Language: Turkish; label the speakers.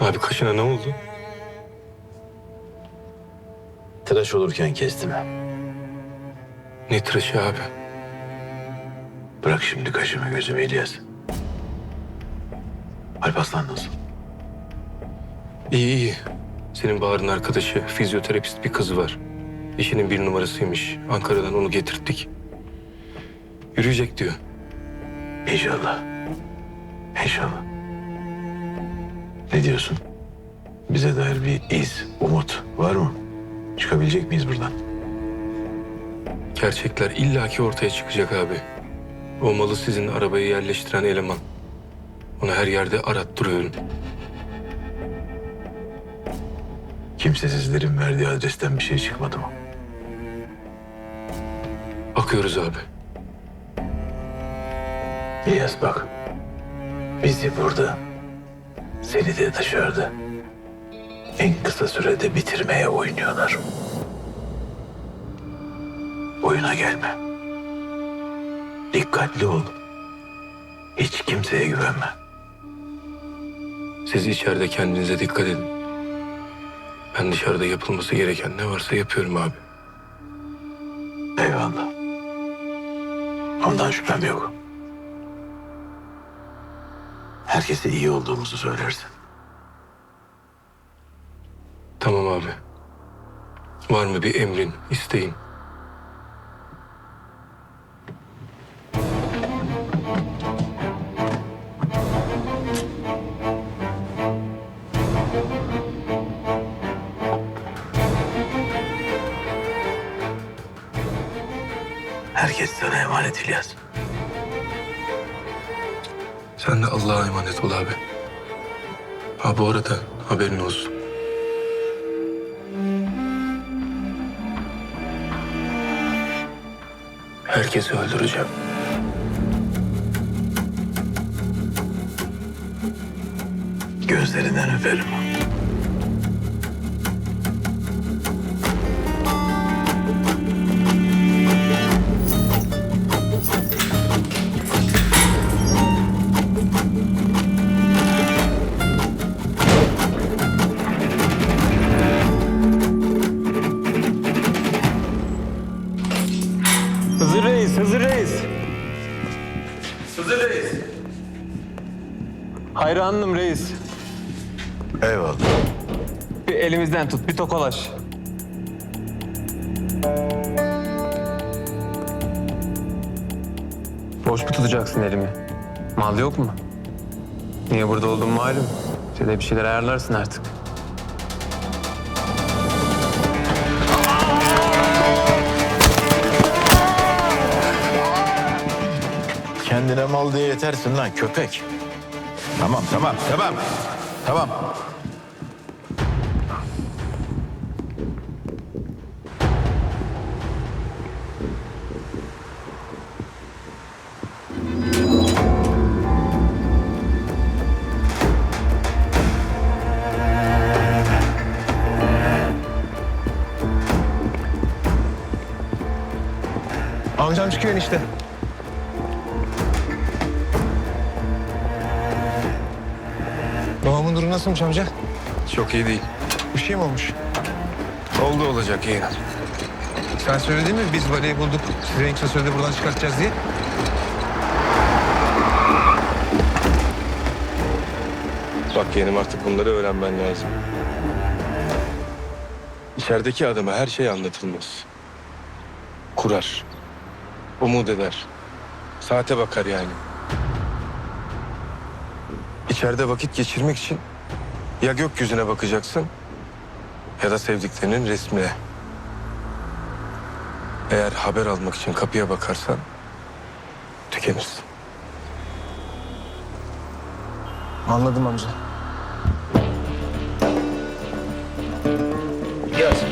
Speaker 1: Abi kaşına ne oldu?
Speaker 2: Tıraş olurken kestim.
Speaker 1: Ne tıraşı abi?
Speaker 2: Bırak şimdi kaşımı gözümü İlyas. Alparslan nasıl?
Speaker 1: İyi iyi. Senin Bahar'ın arkadaşı, fizyoterapist bir kızı var. İşinin bir numarasıymış. Ankara'dan onu getirttik. Yürüyecek diyor.
Speaker 2: İnşallah. İnşallah. Ne diyorsun? Bize dair bir iz, umut var mı? Çıkabilecek miyiz buradan?
Speaker 1: Gerçekler illaki ortaya çıkacak abi. O malı sizin arabaya yerleştiren eleman. Onu her yerde arattırıyorum.
Speaker 2: Kimsesizlerin verdiği adresten bir şey çıkmadı mı?
Speaker 1: Bakıyoruz abi.
Speaker 2: İlyas bak. Bizi burada, seni de dışarıda en kısa sürede bitirmeye oynuyorlar. Oyuna gelme. Dikkatli ol. Hiç kimseye güvenme.
Speaker 1: Siz içeride kendinize dikkat edin. Ben dışarıda yapılması gereken ne varsa yapıyorum abi.
Speaker 2: Eyvallah. Ondan şüphem yok. Herkese iyi olduğumuzu söylersin.
Speaker 1: Tamam abi. Var mı bir emrin, isteğin?
Speaker 2: Herkes sana emanet İlyas.
Speaker 1: Sen de Allah'a emanet ol abi. Ha bu arada haberin olsun. Herkesi öldüreceğim.
Speaker 2: Gözlerinden öperim.
Speaker 3: Hızır Reis, Hızır Reis.
Speaker 2: Hızır Reis.
Speaker 3: Hayranım reis.
Speaker 2: Eyvallah.
Speaker 3: Bir elimizden tut, bir tokalaş. Boş mu tutacaksın elimi? Mal yok mu? Niye burada olduğum malum. Sen de bir şeyler ayarlarsın artık.
Speaker 2: Kendine mal diye yetersin lan köpek. Tamam. Tamam.
Speaker 4: Amcam çıkıyor enişte. Babamın durumu nasılmış amca?
Speaker 1: Çok iyi değil.
Speaker 4: Bir şey mi olmuş?
Speaker 1: Oldu olacak yeğenim.
Speaker 4: Sen söyledin mi biz valiyi bulduk, sizi en kısa sürede buradan çıkartacağız diye?
Speaker 1: Bak yeğenim artık bunları öğrenmen lazım. İçerideki adama her şey anlatılmaz. Kurar. Umut eder. Saate bakar yani. İçeride vakit geçirmek için ya gökyüzüne bakacaksın ya da sevdiklerinin resmine. Eğer haber almak için kapıya bakarsan tükenirsin.
Speaker 4: Anladım amca.
Speaker 2: Yaz.